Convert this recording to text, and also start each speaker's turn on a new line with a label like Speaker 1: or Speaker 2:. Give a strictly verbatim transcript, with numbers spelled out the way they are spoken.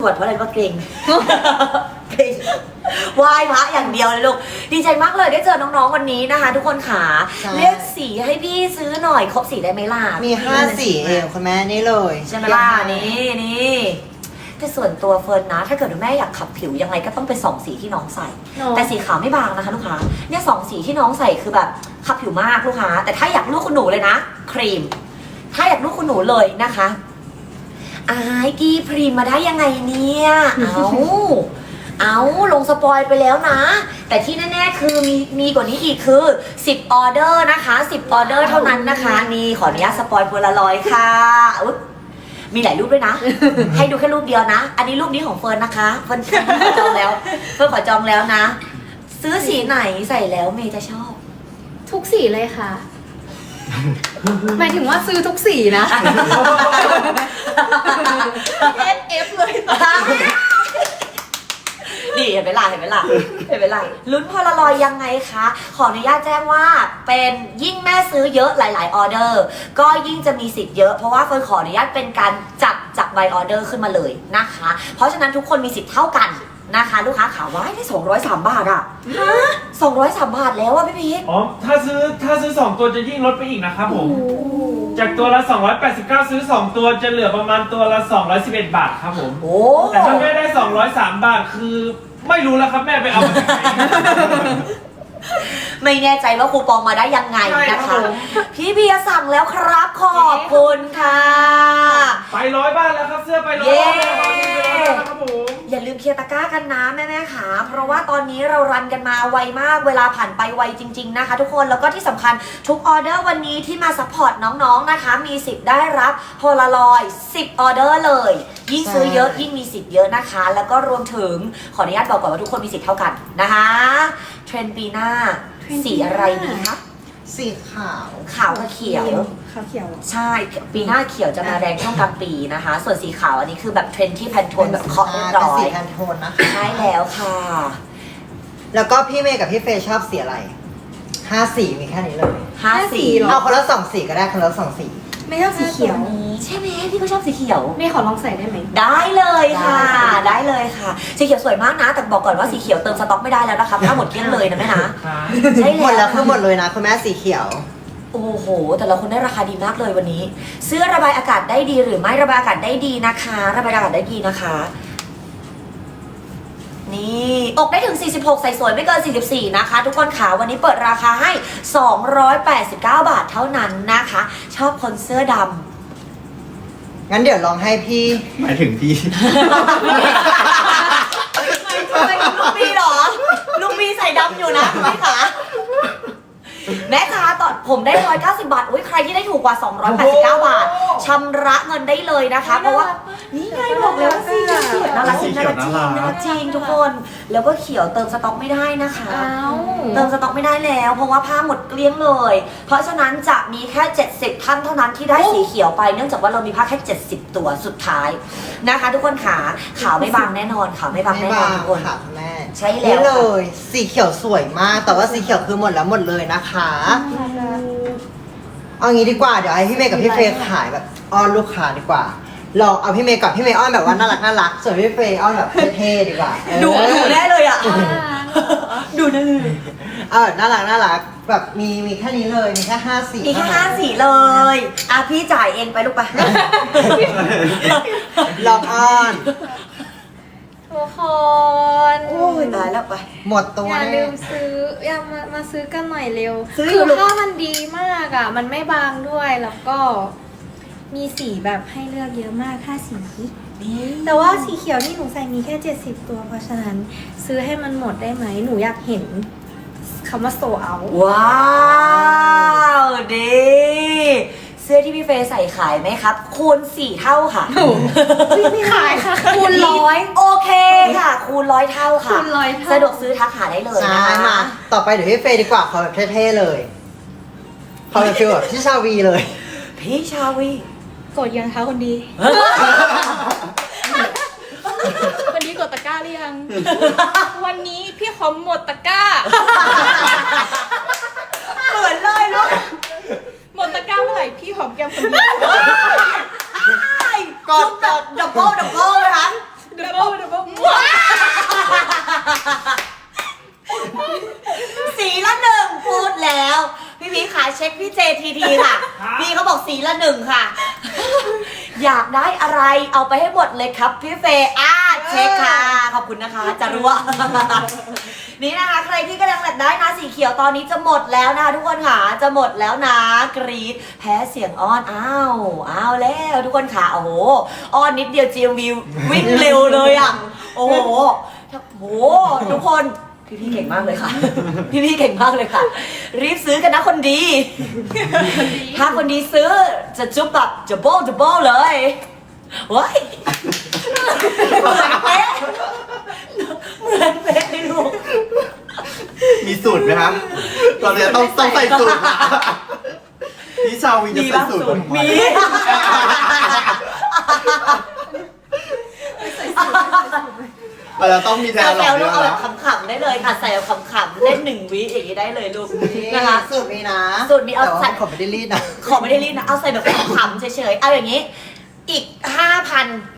Speaker 1: ตรวจเพราะอะไรว่าเกรงเกรงไหว้พระอย่างเดียวเลยลูกดีใจมากเลยได้เจอน้องๆวันนี้นะคะ ทุกคนขาเรียกสีให้พี่ซื้อหน่อยครบสีได้ไหมล่ะ
Speaker 2: มีห้าสีเองคุณแม่นี่เลย
Speaker 1: ใช่ไหมล่ะนี่นี่แต่ส่วนตัวเฟิร์นนะถ้าเกิดแม่อยากขับผิวยังไงก็ต้องเป็นสองสีที่น้องใส่แต่สีขาวไม่บางนะคะลูกค้าเนี่ยสองสีที่น้องใส่คือแบบขับผิวมากลูกค้าแต่ถ้าอยากลูกคุณหนูเลยนะครีมถ้าอยากลูกคุณหนูเลยนะคะอายกีพรีมมาได้ยังไงเนี่ยเอาเอาลงสปอยไปแล้วนะแต่ที่แน่ๆคือมีมีกว่านี้อีกคือสิบออเดอร์นะคะสิบออเดอร์เท่านั้นนะคะนี่ขออนุญาตสปอยโพลารอยด์ค่ะอุ๊ยมีหลายรูปด้วยนะ ให้ดูแค่รูปเดียวนะอันนี้รูปนี้ของเฟิร์นนะคะเฟิร์นขอจองแล้วเฟิร์นขอจองแล้วนะ ซื้อสีไหนใส่แล้วเมย์จะชอบ
Speaker 3: ทุกสีเลยค่ะ หมายถึงว่าซื้อทุกสีนะ เอส เอฟ เลยตอนนี้
Speaker 1: นี่เห็นไหมล่ะเห็นไหมล่ะเห็นไหมล่ะลุ้นพอลารอยยังไงคะขออนุญาตแจ้งว่าเป็นยิ่งแม่ซื้อเยอะหลายๆออเดอร์ก็ยิ่งจะมีสิทธิ์เยอะเพราะว่าเฟิร์นขออนุญาตเป็นการจับจากใบออเดอร์ขึ้นมาเลยนะคะเพราะฉะนั้นทุกคนมีสิทธิ์เท่ากันนะคะลูกค้าขาว่าได้สองร้อยสามบาทอะฮะสองร้อยสามบาทแล้วอะพี่พีท
Speaker 4: อ๋อถ้าซื้อถ้าซื้อสองตัวจะยิ่งลดไปอีกนะครับผมจากตัวละสองร้อยแปดสิบเก้าซื้อสองตัวจะเหลือประมาณตัวละสองร้อยสิบเอ็ดบาทครับผม
Speaker 1: โอ้
Speaker 4: แต่ถ้าแม่ได้สองร้อยสามบาทคือไม่รู้แล้วครับแม่ไปเอามาจากไหน
Speaker 1: ไม่แน่ใจว่าคูปองมาได้ยังไงนะคะพี่เบียร์สั่งแล้วครับขอบคุณค่ะ
Speaker 4: ไปร้อยบ้านแล้วครับเสื้อไปร้อย
Speaker 1: เย้
Speaker 4: บ้านแล้วครับผม
Speaker 1: อย่าลืมเคลียร์ตะกร้ากันนะแม่ๆค่ะเพราะว่าตอนนี้เรารันกันมาไวมากเวลาผ่านไปไวจริงๆนะคะทุกคนแล้วก็ที่สำคัญทุกออเดอร์วันนี้ที่มาซัพพอร์ตน้องๆนะคะมีสิทธิ์ได้รับโพลารอยด์สิบออเดอร์เลยยิ่งซื้อเยอะยิ่งมีสิทธิ์เยอะนะคะแล้วก็รวมถึงขออนุญาตบอกก่อนว่าทุกคนมีสิทธิ์เท่ากันนะคะเทรนด์ปีหน้าสีอะไรดีคะ
Speaker 2: สีขาว
Speaker 1: ขาวกับเขียว
Speaker 3: ขาวเขียว
Speaker 1: ใช่ปีหน้าเขียวจะมาแรงช่วงกลางปีนะคะ ส่วนสีขาวอันนี้คือแบบเทรนด์ที่แพนโทนแบบเคาะเรียบร้อย
Speaker 2: เป็นสีแพนโทนนะคะ
Speaker 1: ใช่แล้วค่ะ
Speaker 2: แล้วก็พี่เมย์กับพี่เฟย์ชอบสีอะไรห้าสีมีแค่นี้เลย
Speaker 1: ห้าสี
Speaker 3: เหร
Speaker 2: เอาคนละสองสีก็ได้คนละสองสี
Speaker 3: ไม่ชอบสีเขียว
Speaker 1: ใช่ไหมพี่ก็ชอบสีเขียว
Speaker 3: ไม่ขอลองใส่ได้ไหม
Speaker 1: ได้เลยค่ะ
Speaker 2: ได้
Speaker 1: ได้เลยค่ะ สีเขียวสวยมากนะ แต่บอกก่อนว่าสีเขียวเติมสต็อกไม่ได้แล้วนะคะถ้าหมดเกลี้ยงเลยนะแม่นะใช่
Speaker 2: หมด
Speaker 1: แล้
Speaker 2: แล้ว วคือหมดเลยนะคุณแม่สีเขียว
Speaker 1: โอ้โห แต่ละคนได้ราคาดีมากเลยวันนี้ เสื้อระบายอากาศได้ดีหรือไม่ระบายอากาศได้ดีนะคะ ระบายอากาศได้ดีนะคะ นี่อกได้ถึงสี่สิบหกใส่สวยไม่เกินสี่สิบสี่นะคะ ทุกคนขาวันนี้เปิดราคาให้สองร้อยแปดสิบเก้าบาทเท่านั้นนะคะ ชอบคนเสื้อดำ
Speaker 2: งั้นเดี๋ยวลองให้พี่
Speaker 5: หมายถึงพี่
Speaker 1: ลุงบีเหรอลุงบีใส่ดำอยู่นะคุณแม่ขาแม่ค้าตอนผมได้หนึ่งร้อยเก้าสิบบาทอุ้ยใครที่ได้ถูกกว่าสองร้อยแปดสิบเก้าบาทชำระเงินได้เลยนะคะ เพราะว่านี่ไงบอกแล้วว่าสีเขียวน่ารักจริงน่ารักจริงน่ารักจริงทุกคน แล้วก็เขียวเติมสต็อกไม่ได้นะคะ
Speaker 3: อ้าว
Speaker 1: เติมสต็อกไม่ได้แล้ว เพราะว่าผ้าหมดเกลี้ยงเลย เพราะฉะนั้นจะมีแค่เจ็ดสิบท่านเท่านั้นที่ได้สีเขียวไปเนื่องจากว่าเรามีผ้าแค่เจ็ดสิบตัวสุดท้ายนะคะ ทุกคนขาขาวไม่บางแน่นอนขาวไม่บาง
Speaker 2: ไม่
Speaker 1: แน่น
Speaker 2: บา
Speaker 1: อน
Speaker 2: ง
Speaker 1: ทุกคน
Speaker 2: ค่ะคุณแม่
Speaker 1: ใช่แล้ว
Speaker 2: นี่
Speaker 1: ค่ะ
Speaker 2: เลย สีเขียวสวยมาก แต่ว่าสีเขียวคือหมดแล้วหมดเลยนะคะ เอางี้ดีกว่าเดี๋ยวให้พี่เมย์กับพี่เฟย์ขายแบบอ้อนลูกค้าดีกว่าลองเอาพี่เมย์กับพี่เมย์อ้อนแบบว่าน่ารักน่ารักส่วนพี่เฟย์อ้อนแบบเท่ๆดีกว่าเออ
Speaker 1: ดูดูแน่เลยอ่ะ ดูแน่เลย
Speaker 2: เออน่ารักน่ารักแบบมีมีแค่นี้เลยมีแค่ห้าสี
Speaker 1: มีแค่ห้าสีเลย อ่ะพี่จ่ายเองไปลูกไป
Speaker 2: ลองอ้อน
Speaker 3: ทุกคน
Speaker 1: โอ้ยตายแล้วไป
Speaker 2: หมดตัว
Speaker 3: อย่า
Speaker 2: แน่
Speaker 3: ลืมซื้ออย่ามามาซื้อกันหน่อยเร็ว
Speaker 1: ซื้อ
Speaker 3: คือ
Speaker 1: ลูก
Speaker 3: ผ้ามันดีมากอ่ะ มันไม่บางด้วยแล้วก็มีสีแบบให้เลือกเยอะมากห้าสี
Speaker 1: นี่
Speaker 3: แต่ว่าสีเขียวที่หนูใส่มีแค่เจ็ดสิบตัว เพราะฉะนั้นซื้อให้มันหมดได้ไหม หนูอยากเห็นคำว่าโซเอา
Speaker 1: ว้าวดีเสื้อที่พี่เฟย์ใส่ขายไหมครับ คูณสี่เท่าค่ะ
Speaker 3: ไม่ขายค่ะคูณร้อย
Speaker 1: โอเคค่ะ คูณร้อยเท่าค่ะ
Speaker 3: คูณร้อยเท่า
Speaker 1: สะดวกซื้อทักหาได้เลย
Speaker 2: ใช่
Speaker 1: นะคะ
Speaker 2: มาต่อไปเดี๋ยวพี่เฟย์ดีกว่าขอแบบเท่ๆเลยขอแบบฟิลแบบพี่ชาวีเลย
Speaker 1: พี่ชาวี
Speaker 3: กดยังคะคนดี วันนี้กดตะกร้าหรือยัง วันนี้พี่ขอหมดตะกร้า
Speaker 1: เหมือนเลยลูก
Speaker 3: หมดตะกร้าเมื่อไหร่พี่หอมแก้มคนเดียว
Speaker 1: กดกดดับเบิลดับเบิลนะคะ
Speaker 3: ดับเบิ
Speaker 1: ทีทีค่ะ
Speaker 4: ครับ
Speaker 1: พี่เขาบอกสีละหนึ่งค่ะ อยากได้อะไรเอาไปให้หมดเลยครับพี่เฟย์อ่าเช็คค่ะ ขอบคุณนะคะจะรู้ว่า นี่นะคะ ใครที่กำลังอยากได้นะสีเขียวตอนนี้จะหมดแล้วนะคะทุกคนค่ะจะหมดแล้วนะกรีดแพ้เสียงอ้อนอ้าวอ้าวแล้วทุกคนค่ะโอ้โหอ้อนนิดเดียว จี เอ็ม วี วิ่งเร็วเลยอ่ะโอ้โหโอ้โหทุกคนพี่พี่ๆเก่งมากเลยค่ะ พี่พี่ๆเก่งมากเลยค่ะ รีบซื้อกันนะคนดี ถ้าคนดีซื้อจะจุ๊บแบบจะโบ้จะโบ้เลยเว้ยเหมือนเป๊ะเหมือนเป๊ะเลยลูก
Speaker 5: มีสูตรไหมครับตอนนี้ต้องต้องใส่สูตรนะพี่ชาววินจะใส่สูตร
Speaker 1: มี
Speaker 5: เราจะต้องมีแนว
Speaker 1: เอา
Speaker 5: หล
Speaker 1: แซ
Speaker 5: อก
Speaker 1: วลู
Speaker 5: เย
Speaker 1: ก
Speaker 5: อะ
Speaker 1: เอาแบ
Speaker 5: นะ
Speaker 1: บขำๆได้เลยค่ะใส่เอาขำๆเล่นหนึ่งวิอย่างนี้ได้เลยลูกนะคะ
Speaker 2: สูตรมีนะ
Speaker 1: สูตรมีเอา
Speaker 2: แต่ว่า
Speaker 1: ใส่
Speaker 2: ผมไม่ได้รีดนะ
Speaker 1: ขอไม่ได้รีดนะเอาใส่แบบขำๆเฉยๆเอาอย่างนี้ อีกห้าพัน